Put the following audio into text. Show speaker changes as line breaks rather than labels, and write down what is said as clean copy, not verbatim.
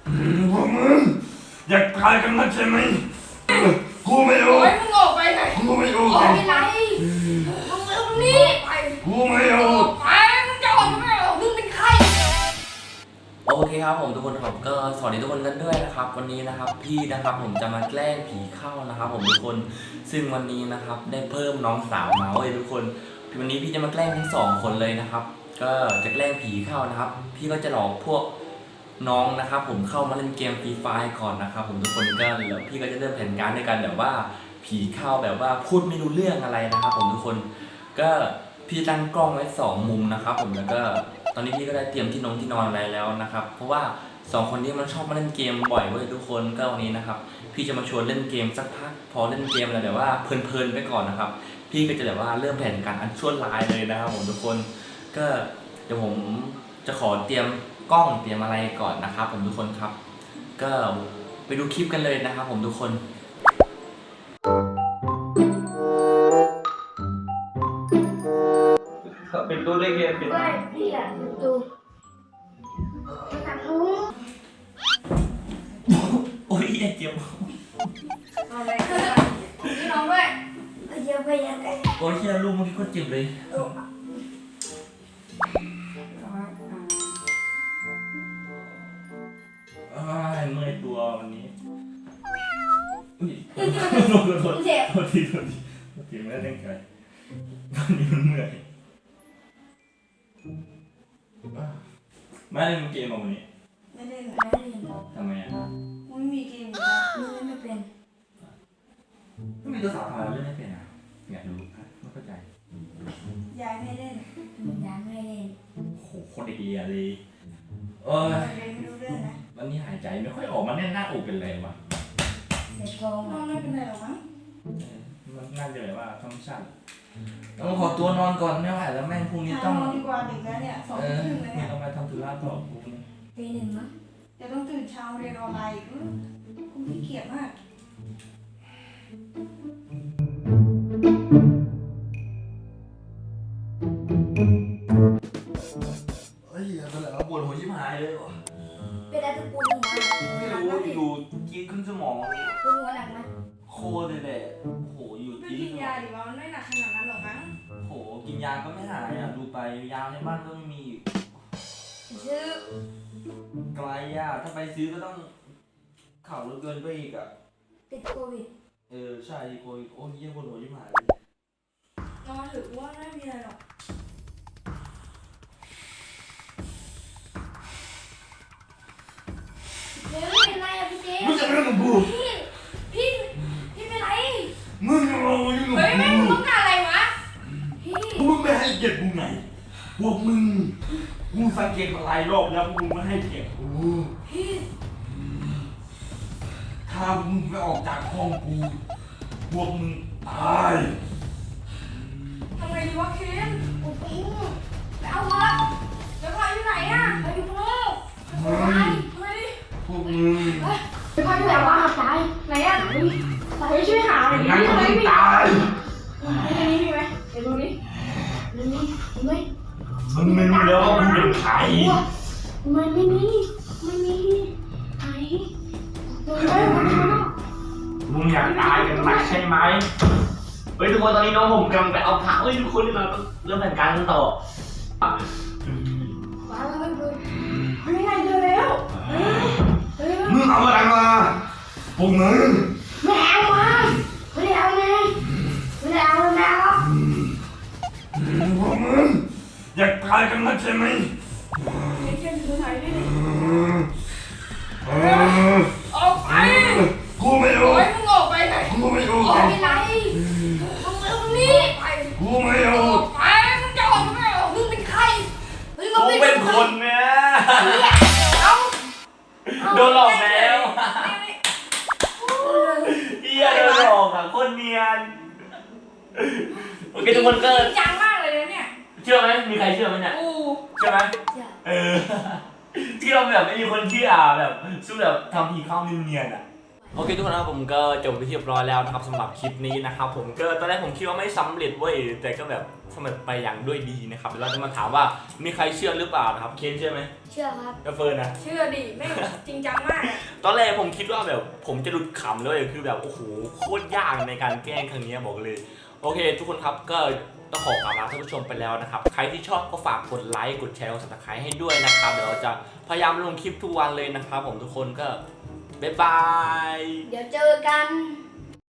พวกมึงอยากตายกันนักใช่ไหมกูไม่เอา
มึงออกไปไง
กูไม่เอา
ไม่เป็นไรมึงเอานี่ไป
กูไม่เอา
ไปมึงจะออกไม่ออกมึงเป็นใคร
โอเคครับผมทุกคนผมก็สวัสดีทุกคนกันด้วยนะครับวันนี้นะครับพี่นะครับผมจะมาแกล้งผีเข้านะครับผมทุกคนซึ่งวันนี้นะครับได้เพิ่มน้องสาวมาเว้ยทุกคนวันนี้พี่จะมาแกล้งทั้ง2 คนเลยนะครับก็จะแกล้งผีเข้านะครับพี่ก็จะหลอกพวกน้องนะครับผมเข้ามาเล่นเกมฟรีไฟร์ก่อนนะครับผมทุกคนก็แล้วพี่ก็จะเริ่มแผนการด้วยกันแบบว่าผีเข้าแบบว่าพูดไม่รู้เรื่องอะไรนะครับผมทุกคนก็พี่ตั้งกล้องไว้2 มุมนะครับผมแล้วก็ตอนนี้พี่ก็ได้เตรียมที่นอนอะไรแล้วนะครับเพราะว่า2 คนนี้มันชอบมาเล่นเกมบ่อยเว้ยทุกคนก็วันนี้นะครับพี่จะมาชวนเล่นเกมสักพักพอเล่นเกมแล้วแบบว่าเพลินๆไปก่อนนะครับพี่ก็จะแบบว่าเริ่มแผนการอันชั่วร้ายเลยนะครับผมทุกคนก็เดี๋ยวผมจะขอเตรียมกล้องเตรียมอะไรก่อนนะครับผมทุกคนครับก็ไปดูคลิปกันเลยนะครับผมทุกคนเป็นตัวเลขเป็น
ไม่พี่อยากดูทำรู้
โอ้ยเจ็บ
อะไรพี่น้องด้วยเดี๋ยวไปยังไง
โอ้ยเชี่ยลูกเมื่อกี้ก็เจ็บเลยเมื่อยตัววันนี้อุ้ยโทษทีไม่ได้ตั้งใจวันนี้มันเมื่อยไม่เล่นเกมวันนี้
ไม่เล่น
ทำไมอ่ะ
ไม่มีเกมไม่เป็น
ไม่มีตัวสาวทำไมเล่นไม่เป็นอ่ะอยากรู้ไม่เข้าใจ
ยายไม่เล่นยายไม่เล่น
โหคนเดียเลย
ไม่รู้เรื่องนะ
วันนี้หายใจไม่ค่อยออกมาแน่นหน้าอกเป็นไรวะ
เสร็จกองไม่เป็นไรหรอกมั้ง
มันน่าจะแบบว่าธรรมชาติต้องขอตัวนอนก่อนไม่ไหวแล้วแม่งพรุ่งนี้ต้อง
นอนดีกว่าดึกแล้วเนี่ย2 ทุ่มเลยเนี่ย
ต้องไปทำธุระต่อกูนะ
ตี 1มั้งจะต้องตื่นเช้าเรียนออนไลน์อีกกูขี้เกียจมาก
เฮ้ยเป็นไรวะปวดหัวชิบหายเลยวะ
เป็นอะไรจะปวดหัว
ไม่รู้อยู่กินขึ้นสมอง
ปวดหัวหนักไหม
โคตรเลยแหละโหอยู่
ไม่กินยาดิว่ามันไม่หนักขนาดนั้นหรอกมั้ง
โหกินยาก็ไม่หายอ่ะดูไปยาในบ้านก็ไม่มี
ซื้อ
ไกลอ่ะถ้าไปซื้อก็ต้องขับรถเกินไปอีกอ่ะ
ติดโควิด
ใช่โควิดโอ้ยเยี่ยปวดหัวชิบหาย
นอนหรือว่าไม่มีอะไรหรอกเดี๋ยวไม่เป็นไรอะพี่เจ๊
มึงจะเรื่องกับกู
พี่เป็นไร
มึงเอาอยู่กับกู
เฮ้ยมึงต้องการอะไรวะพี่
มึงไม่ให้เกียรติกูไงพวกมึงกูสังเกตมาหลายรอบแล้วมึงไม่ให้เกียรติกู
พี่
ถ้ามึงไปออกจากห้องกูพวกมึงตาย
ทำไงดีวะเคนโอ้โหไปเอามาแล้วพาอยู่ไหนอะไปอยู่ข้างนอกทำไงดิ
พวกมึง
ไปพาอยู่ไหนวะตายไหนอะไปช่วยหาหน่อยดิ
งั้นมึงตาย
ในนี้มีไหมเดี๋ยวดูดิมีไหม
มึงไม่รู้แล้วว่ามึงเป็นใคร
มันไม่มีไหน
มึงอยากตายกันนักใช่ไหม
เฮ้ยทุกคนตอนนี้น้องผมกำลังไปเอาผักเฮ้ยทุกคนเราต้องเริ่มแผนการกันต่อ
มาแล้วไม่ได้เจอแล้ว
มึงเอาอะไรมาพวกมึง
ไม่เอามาไม่ได้เอาไงไม่ได้เอาแล้ว
พวกมึงอยากตายกันนักใช่ไหม
เช่นคือไหนดิออกไป
กูไม่เอา
มึงออกไปไง
กูไม่เอา
ไม่เป็นไรมึงเอานี่ไป
กูไม่เอา
ไปมึงจะออกไม่ออกมึงเป็นใคร
กูเป็นคนเนี่ยโดนหลอกแล้วเฮียโดนหลอกอ่ะคนเนียนโอเคทุกคนก็
จังมากเลยเนี่ย
เชื่อไหมมีใครเชื่อไหมเนี่ยเชื่อไหมที่เราแบบไม่มีคนเชื่อแบบสู้แบบทำผีเข้าเนียนๆอ่ะโอเคทุกคนนะครับผมก็จบไปที่เรียบร้อยแล้วนะครับสำหรับคลิปนี้นะครับผมก็ตอนแรกผมคิดว่าไม่สำเร็จเว้ยแต่ก็แบบสำเร็จไปอย่างด้วยดีนะครับเดี๋ยวเราจะมาถามว่ามีใครเชื่อหรือเปล่านะครับเคนเชื่อไหม
เชื่อครับ
กาเฟิร์นนะ
เชื่อดิไม่งจริงจังมากอะ
ตอนแรกผมคิดว่าแบบผมจะหลุดขำเลยคือแบบโอ้โหโคตรยากในการแกล้งครั้งนี้บอกเลยโอเค ทุกคนครับก็ต้องขอกราบลาท่านผู้ชมไปแล้วนะครับใครที่ชอบก็ฝากกดไลค์กดแชร์กด Subscribe ให้ด้วยนะครับเดี๋ยวเราจะพยายามลงคลิปทุกวันเลยนะครับผมทุกคนก็บ๊ายบาย
เดี๋ยวเจอกัน